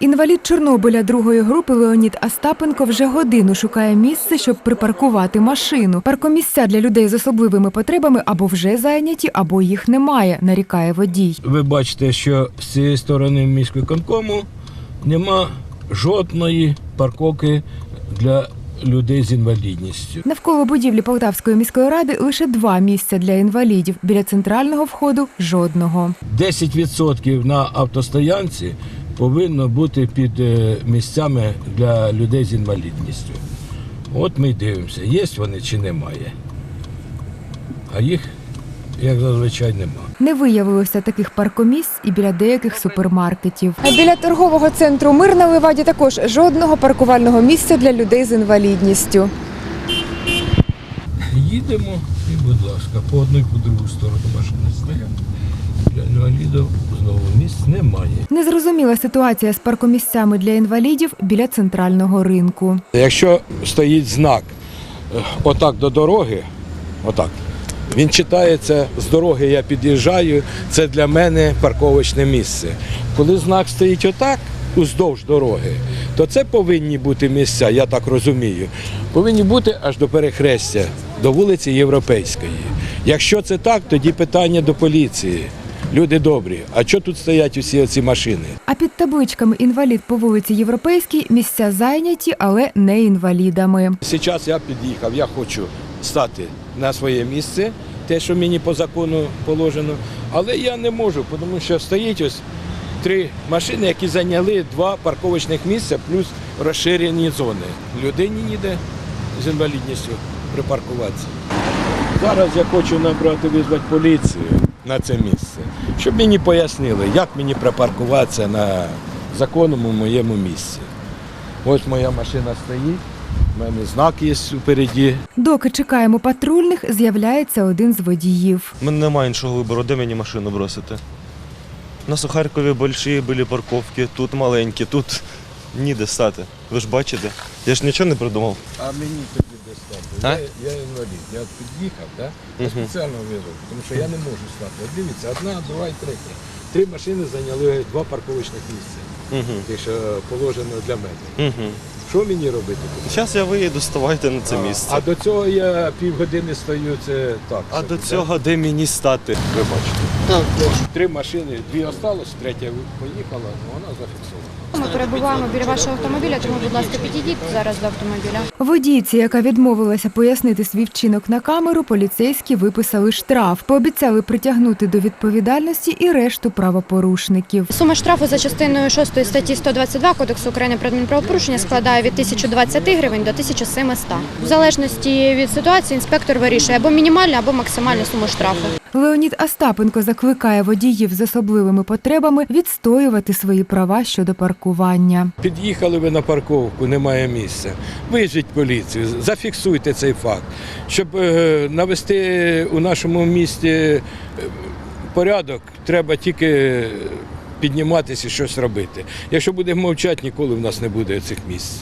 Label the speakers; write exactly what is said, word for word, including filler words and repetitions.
Speaker 1: Інвалід Чорнобиля другої групи Леонід Остапенко вже годину шукає місце, щоб припаркувати машину. Паркомісця для людей з особливими потребами або вже зайняті, або їх немає, нарікає водій.
Speaker 2: Ви бачите, що з цієї сторони міськвиконкому нема жодної парковки для людей з інвалідністю.
Speaker 1: Навколо будівлі Полтавської міської ради лише два місця для інвалідів. Біля центрального входу – жодного.
Speaker 2: десять відсотків на автостоянці повинно бути під місцями для людей з інвалідністю. От ми й дивимося, є вони чи немає. А їх, як зазвичай, нема.
Speaker 1: Не виявилося таких паркомісць і біля деяких супермаркетів. А біля торгового центру «Мир» на Леваді також жодного паркувального місця для людей з інвалідністю.
Speaker 2: Їдемо і, будь ласка, по одну і по другу сторону машини стоять. Для інвалідів знову місць немає.
Speaker 1: Незрозуміла ситуація з паркомісцями для інвалідів біля центрального ринку.
Speaker 2: Якщо стоїть знак отак до дороги, отак, він читається з дороги, я під'їжджаю, це для мене парковочне місце. Коли знак стоїть отак, уздовж дороги, то це повинні бути місця, я так розумію, повинні бути аж до перехрестя, до вулиці Європейської. Якщо це так, тоді питання до поліції. Люди добрі, а що тут стоять усі оці машини?
Speaker 1: А під табличками «Інвалід по вулиці Європейській» місця зайняті, але не інвалідами.
Speaker 2: Зараз я під'їхав, я хочу стати на своє місце, те, що мені по закону положено, але я не можу, тому що стоїть ось три машини, які зайняли два парковочних місця, плюс розширені зони. Людині ніде з інвалідністю припаркуватися. Зараз я хочу набрати, визвати поліцію на це місце, щоб мені пояснили, як мені припаркуватися на законному моєму місці. Ось моя машина стоїть. У мене знак є впереді.
Speaker 1: Доки чекаємо патрульних, з'являється один з водіїв.
Speaker 3: У мене немає іншого вибору, де мені машину бросити. У нас у Харкові великі були парковки, тут маленькі, тут ніде стати. Ви ж бачите, я ж нічого не придумав.
Speaker 2: А мені тоді де стати?
Speaker 3: А?
Speaker 2: Я, я інвалід, я під'їхав, да? Я спеціально визвав, тому що я не можу стати. От дивіться, одна, друга і третя. Три машини зайняли два парковочних місця,
Speaker 3: Угу.
Speaker 2: ті, що положено для мене.
Speaker 3: Угу.
Speaker 2: Що мені робити?
Speaker 3: Зараз я виїду, ставайте на це
Speaker 2: А,
Speaker 3: місце.
Speaker 2: А до цього я півгодини стою, це так.
Speaker 3: А
Speaker 2: собі,
Speaker 3: до
Speaker 2: да?
Speaker 3: цього де мені стати? Ви бачите.
Speaker 2: Три машини, дві осталось, третя поїхала, вона зафіксована.
Speaker 4: Ми перебуваємо біля вашого автомобіля, тому, будь ласка, підійдіть зараз до автомобіля.
Speaker 1: Водійці, яка відмовилася пояснити свій вчинок на камеру, поліцейські виписали штраф. Пообіцяли притягнути до відповідальності і решту правопорушників.
Speaker 4: Сума штрафу за частиною шостої статті сто двадцять два Кодексу України про адмінправопорушення складає від тисячі двадцяти гривень до тисячі сімсот. В залежності від ситуації інспектор вирішує або мінімальну, або максимальну суму штрафу.
Speaker 1: Леонід Остапенко закликає водіїв з особливими потребами відстоювати свої права щодо паркування.
Speaker 2: Під'їхали ви на парковку, немає місця. Визвіть поліцію, зафіксуйте цей факт, щоб е, навести у нашому місті е, порядок, треба тільки підніматися і щось робити. Якщо будемо мовчати, ніколи в нас не буде цих місць.